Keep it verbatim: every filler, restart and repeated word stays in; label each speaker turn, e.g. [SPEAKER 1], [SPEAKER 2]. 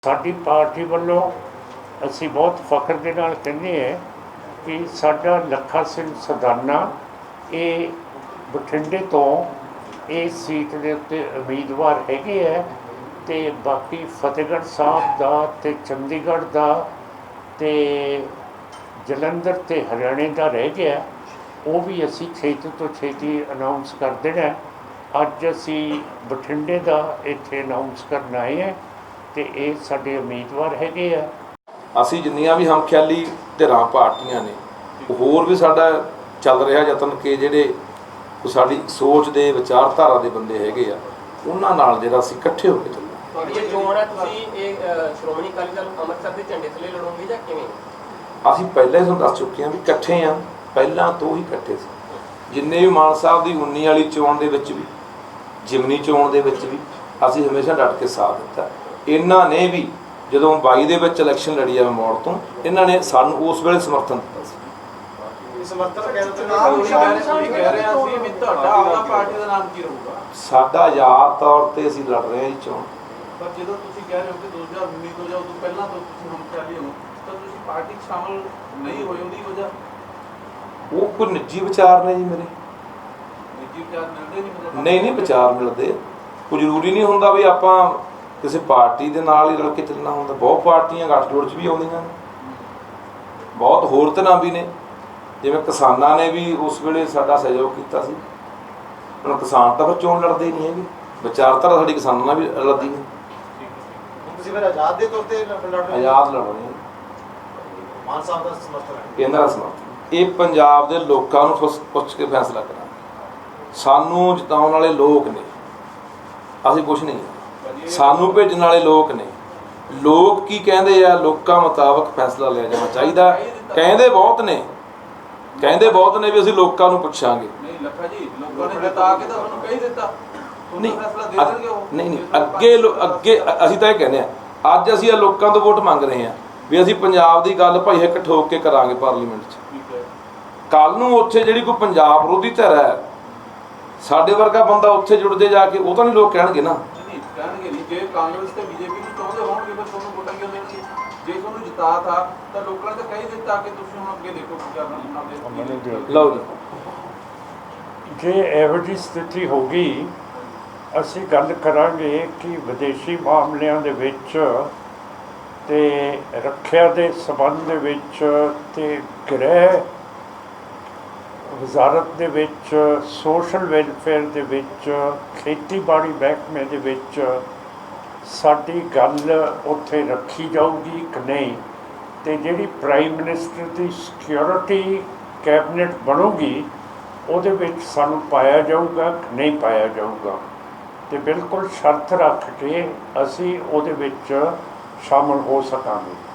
[SPEAKER 1] ਸਾਡੀ ਪਾਰਟੀ ਵੱਲੋਂ ਅਸੀਂ ਬਹੁਤ ਫਖਰ ਦੇ ਨਾਲ ਕਹਿੰਦੇ ਹਾਂ ਕਿ ਸਾਡਾ ਲੱਖਾ ਸਿੰਘ ਸਦਾਨਾ ਇਹ ਬਠਿੰਡੇ ਤੋਂ ਇਹ ਸੀਟ ਦੇ ਉੱਤੇ ਉਮੀਦਵਾਰ ਹੈਗੇ ਹੈ ਅਤੇ ਬਾਕੀ ਫਤਿਹਗੜ੍ਹ ਸਾਹਿਬ ਦਾ ਅਤੇ ਚੰਡੀਗੜ੍ਹ ਦਾ ਅਤੇ ਜਲੰਧਰ ਅਤੇ ਹਰਿਆਣੇ ਦਾ ਰਹਿ ਗਿਆ, ਉਹ ਵੀ ਅਸੀਂ ਛੇਤੀ ਤੋਂ ਛੇਤੀ ਅਨਾਊਂਸ ਕਰ ਦੇਣਾ। ਅੱਜ ਅਸੀਂ ਬਠਿੰਡੇ ਦਾ ਇੱਥੇ ਅਨਾਊਂਸ ਕਰਨ ਆਏ ਹਾਂ ਅਤੇ ਇਹ ਸਾਡੇ ਉਮੀਦਵਾਰ ਹੈਗੇ ਆ।
[SPEAKER 2] ਅਸੀਂ ਜਿੰਨੀਆਂ ਵੀ ਹਮਖਿਆਲੀ ਧਿਰਾਂ ਪਾਰਟੀਆਂ ਨੇ, ਹੋਰ ਵੀ ਸਾਡਾ ਚੱਲ ਰਿਹਾ ਯਤਨ ਕਿ ਜਿਹੜੇ ਸਾਡੀ ਸੋਚ ਦੇ ਵਿਚਾਰਧਾਰਾ ਦੇ ਬੰਦੇ ਹੈਗੇ ਆ ਉਹਨਾਂ ਨਾਲ ਜਿਹੜਾ ਅਸੀਂ ਇਕੱਠੇ ਹੋ ਕੇ ਚੱਲਣਾ।
[SPEAKER 3] ਤੁਹਾਡੀ ਇਹ ਚੋਣ ਹੈ, ਤੁਸੀਂ ਇਹ ਸ਼੍ਰੋਮਣੀ ਅਕਾਲੀ ਦਲ ਅੰਮ੍ਰਿਤਸਰ ਦੇ ਝੰਡੇ ਥੱਲੇ ਲੜੋਗੇ ਜਾਂ ਕਿਵੇਂ?
[SPEAKER 2] ਅਸੀਂ ਪਹਿਲਾਂ ਹੀ ਤੁਹਾਨੂੰ ਦੱਸ ਚੁੱਕੇ ਹਾਂ ਵੀ ਇਕੱਠੇ ਹਾਂ, ਪਹਿਲਾਂ ਤੋਂ ਹੀ ਇਕੱਠੇ ਸੀ। ਜਿੰਨੇ ਵੀ ਮਾਨ ਸਾਹਿਬ ਦੀ ਉੱਨੀ ਵਾਲੀ ਚੋਣ ਦੇ ਵਿੱਚ ਵੀ, ਜਿਮਨੀ ਚੋਣ ਦੇ ਵਿੱਚ ਵੀ ਅਸੀਂ ਹਮੇਸ਼ਾ ਡਟ ਕੇ ਸਾਥ ਦਿੱਤਾ। ਇਹਨਾਂ ਨੇ ਵੀ ਜਦੋਂ ਬਾਈ ਦੇ ਵਿੱਚ ਇਲੈਕਸ਼ਨ ਲੜੀ ਆ ਮੋੜ ਤੋਂ, ਇਹਨਾਂ ਨੇ ਸਾਨੂੰ ਉਸ ਵੇਲੇ ਸਮਰਥਨ ਦਿੱਤਾ ਸੀ। ਸਾਡਾ ਆਜ਼ਾਦ ਤੌਰ ਤੇ ਅਸੀਂ ਲੜ ਰਹੇ ਹਾਂ ਜੀ ਚੋਣ।
[SPEAKER 4] ਪਰ ਜਦੋਂ ਤੁਸੀਂ ਕਹਿ ਰਹੇ ਹੋ ਕਿ ਦੋ ਹਜ਼ਾਰ ਉੱਨੀ ਤੋਂ ਜਾਂ ਉਦੋਂ ਪਹਿਲਾਂ ਤੋਂ ਤੁਸੀਂ ਹਮਖਿਆਲੀ ਹੋ ਤਾਂ ਤੁਸੀਂ ਪਾਰਟੀ 'ਚ ਸ਼ਾਮਲ ਨਹੀਂ ਹੋਏ, ਉਹਦੀ ਵਜ੍ਹਾ?
[SPEAKER 2] ਉਹ ਕੋਈ ਨਿੱਜੀ ਵਿਚਾਰ ਨੇ ਜੀ ਮੇਰੇ।
[SPEAKER 4] ਨਿੱਜੀ ਵਿਚਾਰ ਮਿਲਦੇ ਨਹੀਂ?
[SPEAKER 2] ਨਹੀਂ ਨਹੀਂ ਵਿਚਾਰ ਮਿਲਦੇ। ਕੋਈ ਜ਼ਰੂਰੀ ਨਹੀਂ ਹੁੰਦਾ ਵੀ ਆਪਾਂ ਕਿਸੇ ਪਾਰਟੀ ਦੇ ਨਾਲ ਹੀ ਰਲ ਕੇ ਚੱਲਣਾ ਹੁੰਦਾ। ਬਹੁਤ ਪਾਰਟੀਆਂ ਗੱਠਜੋੜ 'ਚ ਵੀ ਆਉਂਦੀਆਂ ਨੇ, ਬਹੁਤ ਹੋਰ ਤਰ੍ਹਾਂ ਵੀ ਨੇ। ਜਿਵੇਂ ਕਿਸਾਨਾਂ ਨੇ ਵੀ ਉਸ ਵੇਲੇ ਸਾਡਾ ਸਹਿਯੋਗ ਕੀਤਾ ਸੀ। ਹੁਣ ਕਿਸਾਨ ਤਾਂ ਫਿਰ ਚੋਣ ਲੜਦੇ ਹੀ ਨਹੀਂ ਹੈਗੇ, ਵਿਚਾਰਧਾਰਾ ਸਾਡੀ ਕਿਸਾਨਾਂ ਨਾਲ ਵੀ ਲੜਦੀ ਹੈ।
[SPEAKER 5] ਤੁਸੀਂ ਫਿਰ ਆਜ਼ਾਦ ਦੇ ਤੌਰ ਤੇ ਲੜ ਰਹੇ ਹੋ?
[SPEAKER 2] ਆਜ਼ਾਦ ਲੜ ਰਹੇ ਹਾਂ।
[SPEAKER 5] ਮਾਨ ਸਾਹਿਬ ਦਾ ਸਮਰਥਨ ਹੈ?
[SPEAKER 2] ਕੇਂਦਰ ਦਾ ਸਮਰਥਨ। ਇਹ ਪੰਜਾਬ ਦੇ ਲੋਕਾਂ ਨੂੰ ਪੁੱਛ ਕੇ ਫੈਸਲਾ ਕਰਾਂਗੇ। ਸਾਨੂੰ ਜਿਤਾਉਣ ਵਾਲੇ ਲੋਕ ਨੇ, ਅਸੀਂ ਕੁਛ ਨਹੀਂ। ਸਾਨੂੰ ਭੇਜਣ ਵਾਲੇ ਲੋਕ ਨੇ। ਲੋਕ ਕੀ ਕਹਿੰਦੇ ਆ, ਲੋਕਾਂ ਮੁਤਾਬਕ ਫੈਸਲਾ ਲਿਆ ਜਾਣਾ ਚਾਹੀਦਾ। ਕਹਿੰਦੇ ਬਹੁਤ ਨੇ, ਕਹਿੰਦੇ ਬਹੁਤ ਨੇ ਵੀ ਅਸੀਂ ਲੋਕਾਂ ਨੂੰ ਪੁੱਛਾਂਗੇ।
[SPEAKER 4] ਨਹੀਂ ਲੱਖਾ ਜੀ, ਲੋਕਾਂ ਨੇ ਜਿਤਾ ਕੇ ਤਾਂ ਤੁਹਾਨੂੰ ਕਹਿ ਦਿੱਤਾ,
[SPEAKER 2] ਨਹੀਂ
[SPEAKER 4] ਫੈਸਲਾ ਦੇ ਦੇਣਗੇ ਉਹ।
[SPEAKER 2] ਨਹੀਂ ਨਹੀਂ ਅੱਗੇ ਅੱਗੇ ਅਸੀਂ ਤਾਂ ਇਹ ਕਹਿੰਦੇ ਆ, ਅੱਜ ਅਸੀਂ ਇਹ ਲੋਕਾਂ ਤੋਂ ਵੋਟ ਮੰਗ ਰਹੇ ਹਾਂ ਵੀ ਅਸੀਂ ਪੰਜਾਬ ਦੀ ਗੱਲ ਭਾਈ ਇੱਕ ਠੋਕ ਕੇ ਕਰਾਂਗੇ ਪਾਰਲੀਮੈਂਟ 'ਚ। ਕੱਲ੍ਹ ਨੂੰ ਉੱਥੇ ਜਿਹੜੀ ਕੋਈ ਪੰਜਾਬ ਵਿਰੋਧੀ ਧਿਰ ਹੈ, ਸਾਡੇ ਵਰਗਾ ਬੰਦਾ ਉੱਥੇ ਜੁੜ ਜੇ ਜਾ ਕੇ, ਉਹ ਤਾਂ ਨਹੀਂ ਲੋਕ ਕਹਿਣਗੇ ਨਾ।
[SPEAKER 4] ਨਹੀਂ ਕਹਿਣਗੇ ਨਹੀਂ। ਜੇ ਕਾਂਗਰਸ ਤੇ ਬੀਜੇਪੀ ਨੂੰ ਚਾਹੁੰਦੇ ਹੋਣਗੇ ਫਿਰ ਤੁਹਾਨੂੰ ਵੋਟਾਂ ਕਿਉਂ ਦੇਣਗੇ? ਜੇ ਤੁਹਾਨੂੰ ਜਿਤਾ ਥਾ ਤਾਂ ਲੋਕਾਂ ਨੇ ਤਾਂ ਕਹਿ ਦਿੱਤਾ ਕਿ ਤੁਸੀਂ ਹੁਣ ਅੱਗੇ ਦੇਖੋ ਕੀ ਕਰਨਾ।
[SPEAKER 2] ਲਓ ਜੀ,
[SPEAKER 1] ਜੇ ਇਹੋ ਜਿਹੀ ਸਥਿਤੀ ਹੋ ਗਈ, ਅਸੀਂ ਗੱਲ ਕਰਾਂਗੇ ਕਿ ਵਿਦੇਸ਼ੀ ਮਾਮਲਿਆਂ ਦੇ ਵਿੱਚ ਅਤੇ ਰੱਖਿਆ ਦੇ ਸੰਬੰਧ ਦੇ ਵਿੱਚ ਅਤੇ ਗ੍ਰਹਿ ਵਜ਼ਾਰਤ ਦੇ ਵਿੱਚ, ਸੋਸ਼ਲ ਵੈਲਫੇਅਰ ਦੇ ਵਿੱਚ, ਖੇਤੀਬਾੜੀ ਮਹਿਕਮੇ ਦੇ ਵਿੱਚ ਸਾਡੀ ਗੱਲ ਉੱਥੇ ਰੱਖੀ ਜਾਊਗੀ ਕਿ ਨਹੀਂ, ਅਤੇ ਜਿਹੜੀ ਪ੍ਰਾਈਮ ਮਿਨਿਸਟਰ ਦੀ ਸਿਕਿਉਰਿਟੀ ਕੈਬਨਿਟ ਬਣੂਗੀ ਉਹਦੇ ਵਿੱਚ ਸਾਨੂੰ ਪਾਇਆ ਜਾਊਗਾ ਕਿ ਨਹੀਂ ਪਾਇਆ ਜਾਊਗਾ। ਅਤੇ ਬਿਲਕੁਲ ਸ਼ਰਤ ਰੱਖ ਕੇ ਅਸੀਂ ਉਹਦੇ ਵਿੱਚ ਸ਼ਾਮਲ ਹੋ ਸਕਾਂਗੇ।